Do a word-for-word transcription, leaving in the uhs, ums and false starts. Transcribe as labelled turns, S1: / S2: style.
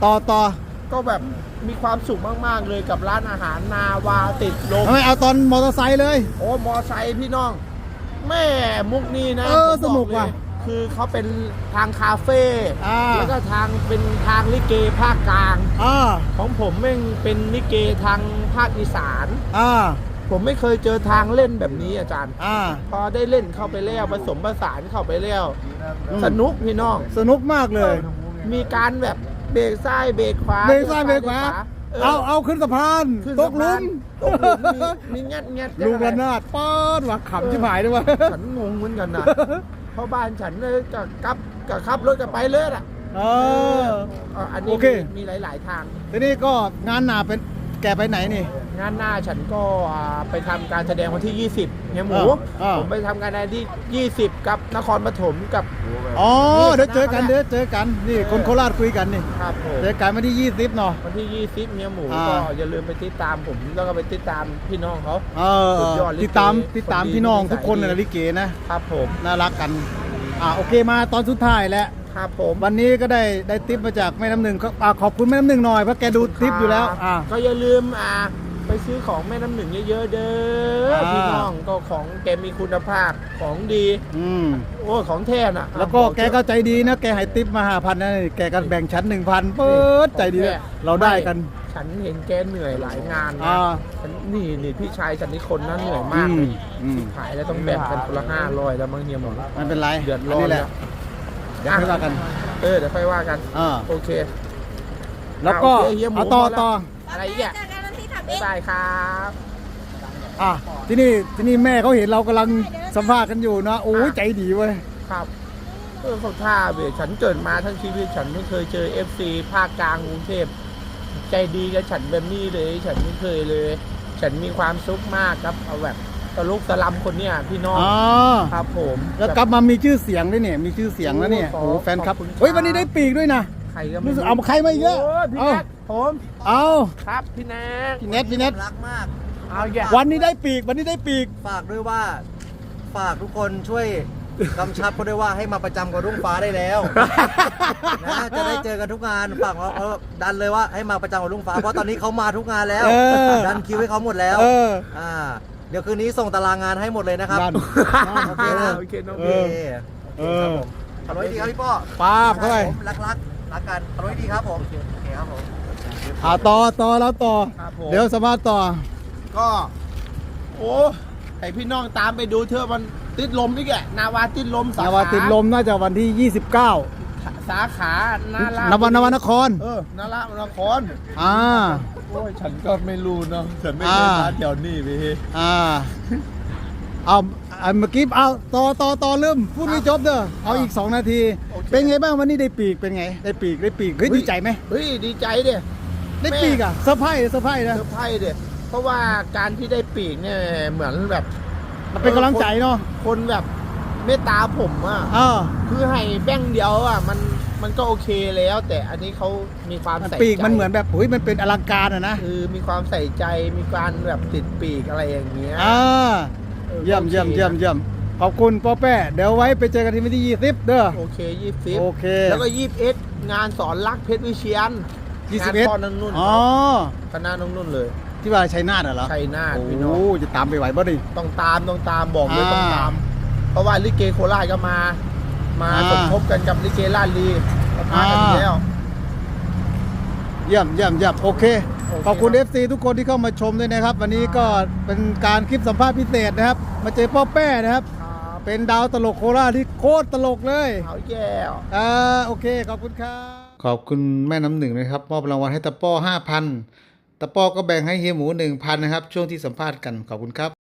S1: ต่อต่อ
S2: ก็แบบมีความสุขมากๆเลยกับร้านอาหารนาวาติดลม
S1: ไม่เอาตอนมอเตอร์ไซค์เลย
S2: โอ้มอไซค์พี่น้องแม่มุกนี้นะ
S1: เออสนุกว่ะ
S2: คือเขาเป็นทางคาเฟ่แล้วก็ทางเป็นทางลิเกภาคกลางของผมแม่งเป็นลิเกทางภาคอีสานผมไม่เคยเจอทางเล่นแบบนี้อาจารย์พอได้เล่นเข้าไปแล้วผสมผสานเข้าไปแล้วสนุกพี่น้อง
S1: สนุกมากเลย
S2: มีการแบบเบรกซ้ายเบรกขวา
S1: เบรกซ้ายเบรกขวาเอาเอาขึ้นสะพานตกลุม
S2: มีงัดงัด
S1: ลูกระนาดป้อนว่ะขำชิบหายด้วยวะ
S2: ฉันงงเหมือนกันนะเพราะบ้านฉันเลยกับกับกับขับรถกันไปเลยอ่ะ
S1: เออ
S2: อันนี้มีหลายๆทาง
S1: ทีนี้ก็งานหนาเป็นแกไปไหนนี่
S2: งานหน้าฉันก็ไปทำการแสดงวันที่ยี่สิบเนี่ยหมูผมไปทำการแสดงที่ยี่สิบกับนครปฐมกับ
S1: อ๋อเดี๋ยวเจอกันเดี๋ยวเจอกันนี่คนโคราชคุยกันนี่
S2: ครับผม
S1: เจอกันวันที่ยี่สิบเนาะ
S2: วันที่ยี่สิบเนี่ยหมูก็อย่าลืมไปติดตามผมแล้วก็ไปติดตามพี่น้องเขา
S1: เออติดตามติดตามพี่น้องทุกคนในลิเกนะครับ
S2: ผม
S1: น่ารักกันอ่าโอเคมาตอนสุดท้ายแล้ว
S2: ครับผม
S1: วันนี้ก็ได้ได้ทิปมาจากแม่น้ำหนึ่งก็ขอบคุณแม่น้ำหนึ่งหน่อยเพราะแกดูทิปอยู่แล้วอ่า
S2: ก็อย่าลืมอ่าไปซื้อของแม่น้ำหนึ่งเยอะๆเด้อพี่น้องก็ของแกมีคุณภาพของดี
S1: อืม
S2: โอ้ของแท้น่ะ
S1: แล้วก็แกก็ใจดีนะแกให้ทิปมาห้าพันนะแกก็แบ่งชั้นหนึ่งพันเปิดใจดีเราได้กัน
S2: ฉันเห็นแกเหนื่อยหลายงานนะฉันนี่นี่พี่ชายฉันนี่คนนั้นเหนื่อยมากเลยขายแล้วต้องแบ่งกันคนละห้าร้อยแล้วมั้งเฮียหมด
S1: มันเป็นไร
S2: เดือดร้อนแล้ว
S1: เดี๋ยวค่อยว่ากัน
S2: เออเดี๋ยวค่อยว่ากัน
S1: อ่า
S2: โอเค
S1: แล้วก็เอาต่อต่อ
S2: อะไรอีกอ่ะบ๊ายบายครับ
S1: อ่ะที่นี่ที่นี่แม่เขาเห็นเรากำลังสัมภาษณ์กันอยู่นะโอ้ยใจดีเว้ย
S2: ครับเออเขาท่าเว้ยฉันเกิดมาทั้งชีวิตฉันไม่เคยเจอ เอฟ ซี ภาคกลางกรุงเทพใจดีกับฉันแบบนี้เลยฉันไม่เคยเลย ฉันมีความสุขมากครับเอาแบบตะลุกตะลำคนเนี้ยพี่น้องครับผม
S1: แล้วกลับมามีชื่อเสียงด้วยเนี่ยมีชื่อเสียงแล้วเนี่ยโอ้แฟนครับเฮ้ยวันนี้ได้ปีกด้วยนะ
S2: ใครก็ไม่
S1: เอาใครมาอีกแล้ว
S2: พี่แนทผม
S1: เอา
S2: ครับพี่แนท
S1: พี่แนทพี่แนท
S3: รักมาก
S2: เอาแย่
S1: วันนี้ได้ปีกวันนี้ได้ปีก
S3: ฝากด้วยว่าฝากทุกคนช่วยกำชับเขาด้วยว่าให้มาประจำกับรุ่งฟ้าได้แล้วนะจะได้เจอกันทุกงานฝากเขาดันเลยว่าให้มาประจำกับรุ่งฟ้าเพราะตอนนี้เขามาทุกงานแล้วดันคิวให้เขาหมดแล้วอ่าเดี๋ยวคืนนี้ส่งตารางงานให้หมดเลยนะครับ
S2: โอเคนะโอเคน้องเอ
S3: อขอบคุณดีครับพี่ป้อ
S1: ป้าบเข้าไป
S3: รักรักรักกันขอบคุณดีครับผมโอเคครับผม
S1: อ่าต่อต่อแล้วต่อเดี๋ยวสมาร์ทต่อ
S2: ก็โอ้ให้พี่น้องตามไปดูเถอะมันติดลมนี่แกนาวาติดลมสาขาน
S1: าวาติดลมน่าจะวันที่ยี่สิบเก้า
S2: สาขานาร
S1: านวนวนคร
S2: เออนารานคร
S1: อ่า
S2: โอ้ยฉันก็ไม่รู้เนาะฉันไม่ได้มาแถวนี้พี่
S1: อ่าเอาเมื่อกี้เอาต่อต่อต่อเริ่มพูดไม่จบเด้อเอาอีกสองนาทีเป็นไงบ้างวันนี้ได้ปีกเป็นไงได้ปีกได้ปีกเฮ้ยดีใจไหม
S2: เฮ้ยดีใจเด้
S1: ได้ปีกอ่ะเซอร์ไพรส์เซอร์ไพรส์นะ
S2: เซอร์ไพรส์เด้เพราะว่าการที่ได้ปีกเนี่ยเหมือนแบบ
S1: มันเป็นกำลังใจเนาะ
S2: คนแบบเมตตาผมอ่ะคือให้แบ่งเดียวอ่ะมันมันก็โอเคแล้วแต่อันนี้เขามีความใส่ใจ
S1: ปีกมันเหมือนแบบเฮ้ยมันเป็นอลังการอ่ะนะ
S2: คือมีความใส่ใจมีการแบบติดปีกอะไรอย่างเงี้ย
S1: อ่าเยี่ยมเยี่ยมเยี่ยมเยี่ยมขอบคุณป้อแป้เดี๋ยวไว้ไปเจอกันที่วันที่ยี่สิบเด้อ
S2: โอเคยี่สิบ
S1: โอเค
S2: แล้วก็ยี่สิบเอ็ดงานสอนรักเพชรวิเชียน
S1: ยี่สิบเอ็ด
S2: นุ่น
S1: อ๋อ
S2: คณะนุ่นนุ่นเลย
S1: ที่ว่าชัยนาทเหรอ
S2: ชัยนาทพี่น้
S1: องโอ้จะตามไปไหวบ่ดิ
S2: ต้องตามต้องตามบอกเลยต้องตามเพราะว่าลิเกโคราชก็มามาสมทบกันกับลิเกลาดลีมากันแล้ว
S1: เยี่ยมเยี่ยมเยี่ยมโอเคขอบคุณ เอฟ ซี ทุกคนที่เข้ามาชมด้วยนะครับวันนี้ก็เป็นการคลิปสัมภาษณ์พิเศษนะครับมาเจอป้อแป้นะครับเป็นดาวตลกโคราชที่โคตรตลกเลย
S2: เอาแย่
S1: อ่าโอเคขอบคุณครับขอบคุณแม่น้ำหนึ่งนะครับมอบรางวัลให้ตะป้อห้าพันตะป้อก็แบ่งให้เฮียหมูหนึ่งพันนะครับช่วงที่สัมภาษณ์กันขอบคุณครับ